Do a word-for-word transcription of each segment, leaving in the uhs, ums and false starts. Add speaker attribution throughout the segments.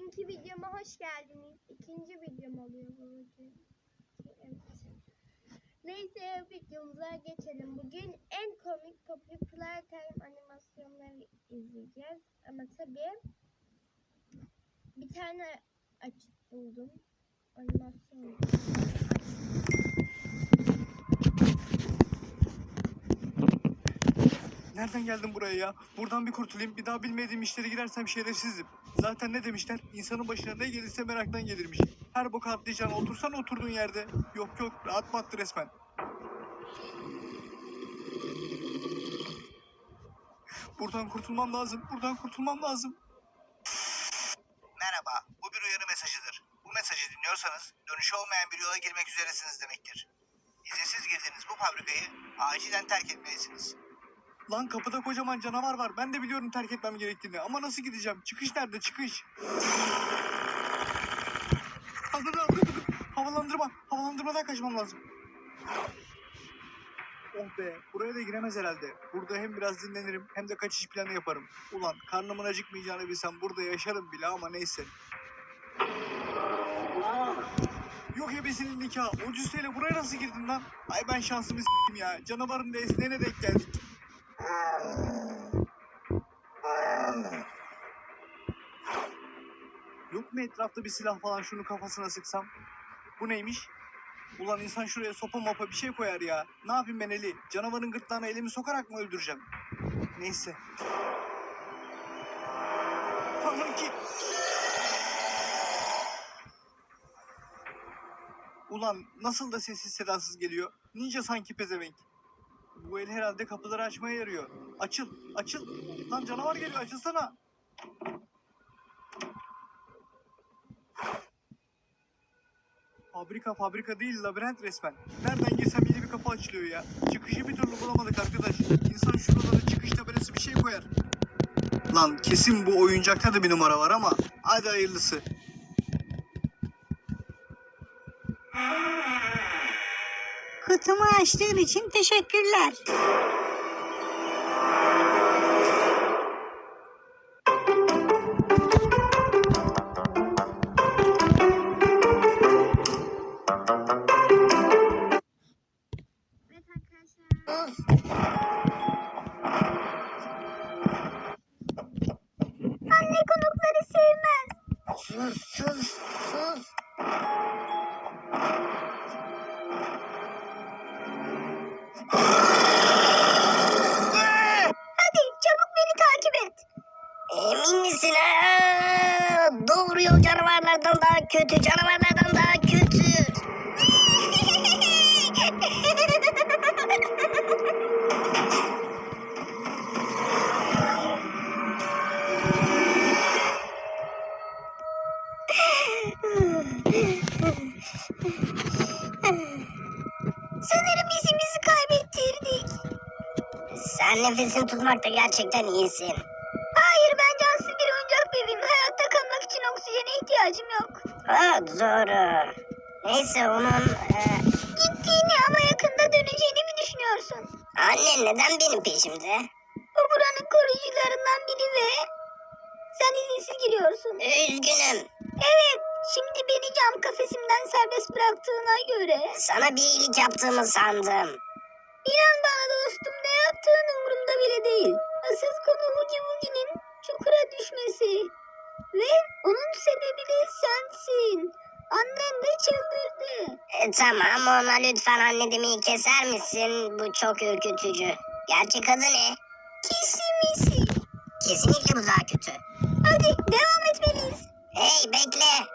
Speaker 1: bugünkü videoma hoş geldiniz. İkinci videom oluyor bu bugün. Evet. Neyse videomuza geçelim. Bugün en komik Poppy Playtime animasyonları izleyeceğiz. Ama tabii bir tane açık buldum. Animasyon.
Speaker 2: Nereden geldim buraya ya? Buradan bir kurtulayım. Bir daha bilmediğim işlere girersem şerefsizim. Zaten ne demişler? İnsanın başına ne gelirse meraktan gelirmiş. Her boka atlayacağına otursan oturduğun yerde. Yok yok, rahat battı resmen. Buradan kurtulmam lazım. Buradan kurtulmam lazım.
Speaker 3: Merhaba, bu bir uyarı mesajıdır. Bu mesajı dinliyorsanız dönüşü olmayan bir yola girmek üzeresiniz demektir. İzinsiz girdiğiniz bu fabrikayı acilen terk etmelisiniz.
Speaker 2: Lan kapıda kocaman canavar var. Ben de biliyorum terk etmem gerektiğini. Ama nasıl gideceğim? Çıkış nerede? Çıkış. Anladım, anladım. Havalandırma. Havalandırmadan kaçmam lazım. Oh be. Buraya da giremez herhalde. Burada hem biraz dinlenirim hem de kaçış planı yaparım. Ulan karnımın acıkmayacağını bilsem burada yaşarım bile ama neyse. Yok ebesinin nikahı. O cüsseyle buraya nasıl girdin lan? Ay ben şansımı s**tim ya. Canavarın da esneğine denk geldik. Yok mu etrafta bir silah falan, şunu kafasına sıksam? Bu neymiş? Ulan insan şuraya sopa mopa bir şey koyar ya. Ne yapayım ben Eli? Canavarın gırtlağına elimi sokarak mı öldüreceğim? Neyse. Tanrım ki. Ulan nasıl da sessiz sedasız geliyor. Ninja sanki pezevenk. Bu el herhalde kapıları açmaya yarıyor. Açıl, açıl. Lan canavar geliyor, açılsana. Fabrika fabrika değil, labirent resmen. Nereden girsem yeni bir kapı açılıyor ya. Çıkışı bir türlü bulamadık arkadaş. İnsan şuralara çıkış tabelası bir şey koyar. Lan kesin bu oyuncakta da bir numara var ama hadi hayırlısı.
Speaker 4: Kutumu açtığın için teşekkürler.
Speaker 1: Evet arkadaşlar.
Speaker 4: Anne konukları sevmez. Sus sus sus. Hadi çabuk beni takip et. Emin misin ha? Doğru yol canavarlardan daha kötü, canavarlardan daha kötü. Sanırım izimizi kaybettirdik. Sen nefesini tutmakta gerçekten iyisin. Hayır, ben cansız bir oyuncak bebeğim. Hayatta kalmak için oksijene ihtiyacım yok. Ha, doğru. Neyse onun... E... Gittiğini ama yakında döneceğini mi düşünüyorsun? Anne neden benim peşimde? O buranın koruyucularından biri ve... Sen izinsiz giriyorsun. Üzgünüm. Evet, şimdi beni cam kafesimden serbest bıraktığına göre... Sana bir iyilik yaptığımı sandım. İnan bana dostum, ne yaptığın umurumda bile değil. Asıl konu Hugi Wugi'nin çukura düşmesi. Ve onun sebebi de sensin. Annen de çıldırdı. E, tamam, ona lütfen anne demeyi keser misin? Bu çok ürkütücü. Gerçek adı ne? Kisimisi. Kesinlikle bu daha kötü. Hadi devam etmeliyiz. Hey bekle.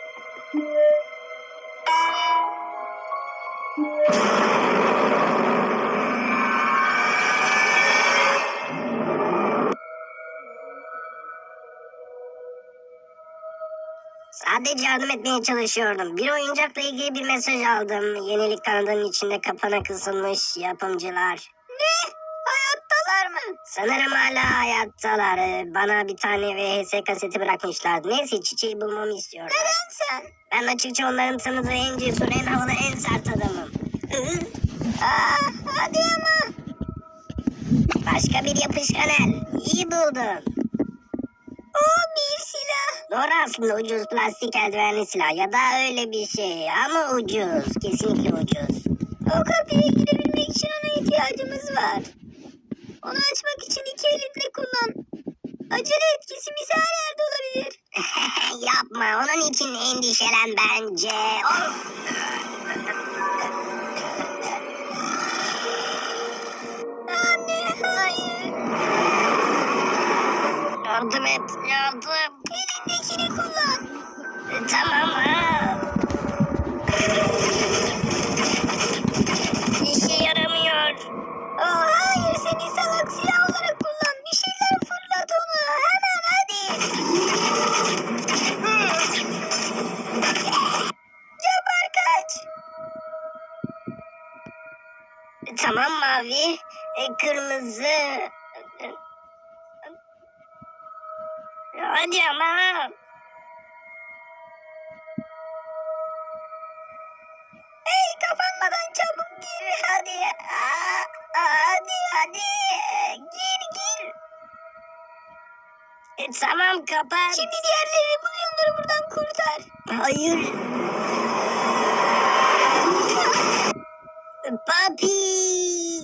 Speaker 4: Sadece yardım etmeye çalışıyordum. Bir oyuncakla ilgili bir mesaj aldım. Yenilik kanadının içinde kapana kısılmış yapımcılar. Ne? Hayattalar mı? Sanırım hala hayattalar. Ee, Bana bir tane V H S kaseti bırakmışlar. Neyse çiçeği bulmamı istiyorlar. Neden sen? Ben açıkça onların tanıdığı en cesur, en havalı, en sert adamım. Aa, hadi ama. Başka bir yapışkan el. İyi buldun. O bir silah. Doğru aslında ucuz plastik eldivenli silah ya da öyle bir şey ama ucuz. Kesinlikle ucuz. O kapıya girebilmek için ona ihtiyacımız var. Onu açmak için iki elinle kullan. Acele et, kesimiz her yerde olabilir. Yapma, onun için endişelen bence. Of! Anne, hayır. Yardım et, yardım. Elindekini kullan. E, tamam ha. İşe yaramıyor. Oh, hayır, seni salak silah olarak kullan. Bir şeyler fırlat onu. Hemen hadi. Yapar kaç. E, tamam mavi. E, kırmızı. E, hadi ama. Hey, kapanmadan çabuk gir hadi. Aa, hadi hadi. Gir gir. E, tamam kapat. Şimdi diğerlerini bul, onları buradan kurtar. Hayır. Papi.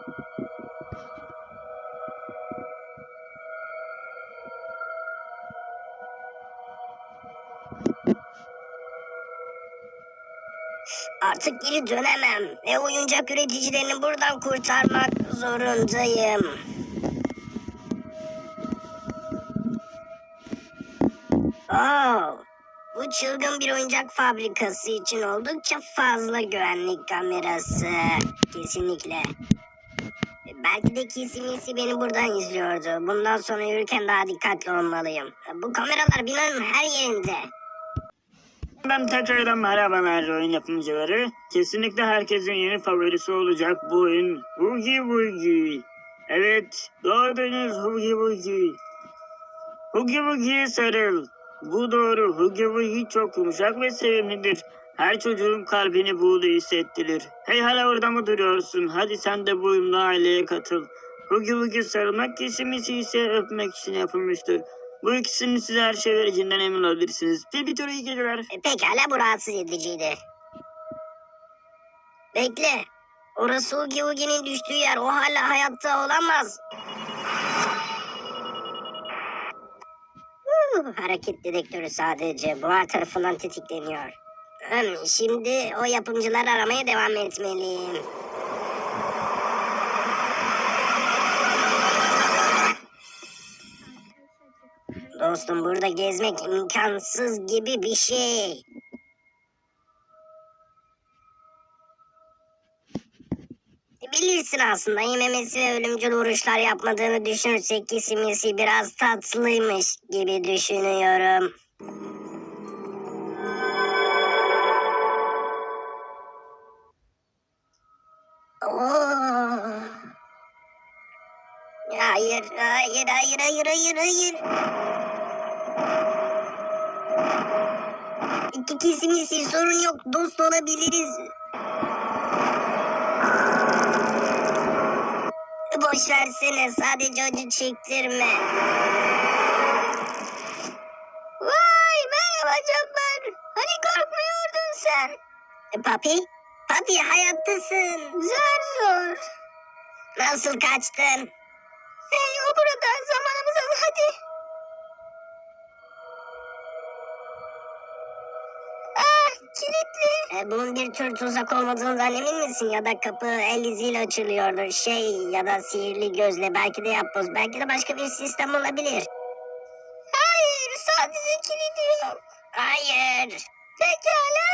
Speaker 4: Artık geri dönemem ve oyuncak üreticilerini buradan kurtarmak zorundayım. Oh, bu çılgın bir oyuncak fabrikası için oldukça fazla güvenlik kamerası. Kesinlikle. Belki de kesimisi beni buradan izliyordu. Bundan sonra yürürken daha dikkatli olmalıyım. Bu kameralar binanın her yerinde.
Speaker 5: Ben tekrardan merhabalar oyun yapımcıları. Kesinlikle herkesin yeni favorisi olacak bu oyun Hugi Bugi. Evet, doğdunuz Hugi Bugi. Hugi Bugi'ye sarıl. Bu doğru, Hugi Bugi çok yumuşak ve sevimlidir. Her çocuğun kalbini buğulu hissettirir. Hey hala orada mı duruyorsun? Hadi sen de bu oyunla aileye katıl. Hugi Bugi sarılmak, kesimisi ise öpmek için yapılmıştır. Bu ikisinin size her şey vereceğinden emin olabilirsiniz. Bir bir iyi geceler.
Speaker 4: E, pekala, bu rahatsız ediciydi. Bekle. Orası Hugi Hugi'nin düştüğü yer. O hala hayatta olamaz. Uh, hareket dedektörü sadece buhar tarafından tetikleniyor. Hmm, şimdi o yapımcıları aramaya devam etmeliyim. Dostum, burada gezmek imkansız gibi bir şey. Bilirsin aslında, yememesi ve ölümcül vuruşlar yapmadığını düşünürsek kesimisi biraz tatlıymış gibi düşünüyorum. Oh. Hayır, hayır, hayır, hayır, hayır, hayır. İki kesimisi, sorun yok, dost olabiliriz. Boş versene, sadece acı çektirme. Vay, merhaba Cabbar. Hani korkmuyordun sen? E, Papi? Papi, hayattasın. Zor zor. Nasıl kaçtın? Hey, o burada, zamanımız az, hadi. Ah, kilitli. E, bunun bir tür tuzak olmadığından emin misin? Ya da kapı el iziyle açılıyordur. Şey, ya da sihirli gözle, belki de yapboz, belki de başka bir sistem olabilir. Hayır, sadece kilidi yok. Hayır. Pekala.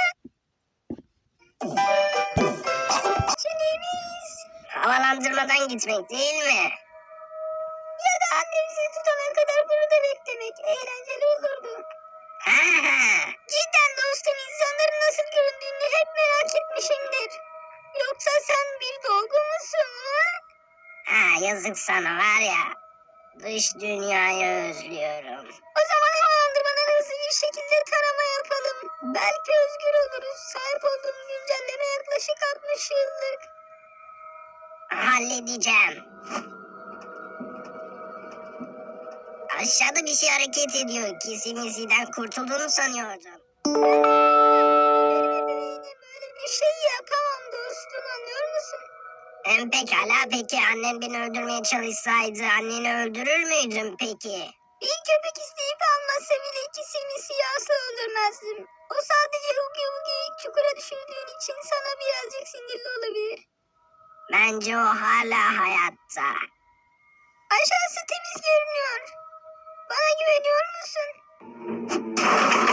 Speaker 4: Çenemiz. Havalandırmadan gitmek değil mi? Ya da annemizi tutana kadar burada beklemek eğlenceli olurdu. Ha, cidden dostum, insanların nasıl göründüğünü hep merak etmişimdir. Yoksa sen bir dolgu musun? Ha? Ha, yazık sana var ya. Dış dünyayı özlüyorum. O zaman havalandırmadan hızlı bir şekilde tarama yapalım. Belki özgür oluruz. Sahip olduğum güncelleme yaklaşık altmış yıllık. Halledeceğim. Aşağıda bir şey hareket ediyor. Kesimizden kurtulduğunu sanıyordum. Böyle bir şey yapamam dostum, anlıyor musun? Hem pekala, peki annen beni öldürmeye çalışsaydı anneni öldürür müydün peki? Bir köpek isteyip almasa bile ikisini siyahsı öldürmezdim. O sadece Hugi Hugi'yi çukura düşürdüğün için sana birazcık sinirli olabilir. Bence o hala hayatta. Aşağısı temiz görünüyor. Bana güveniyor musun?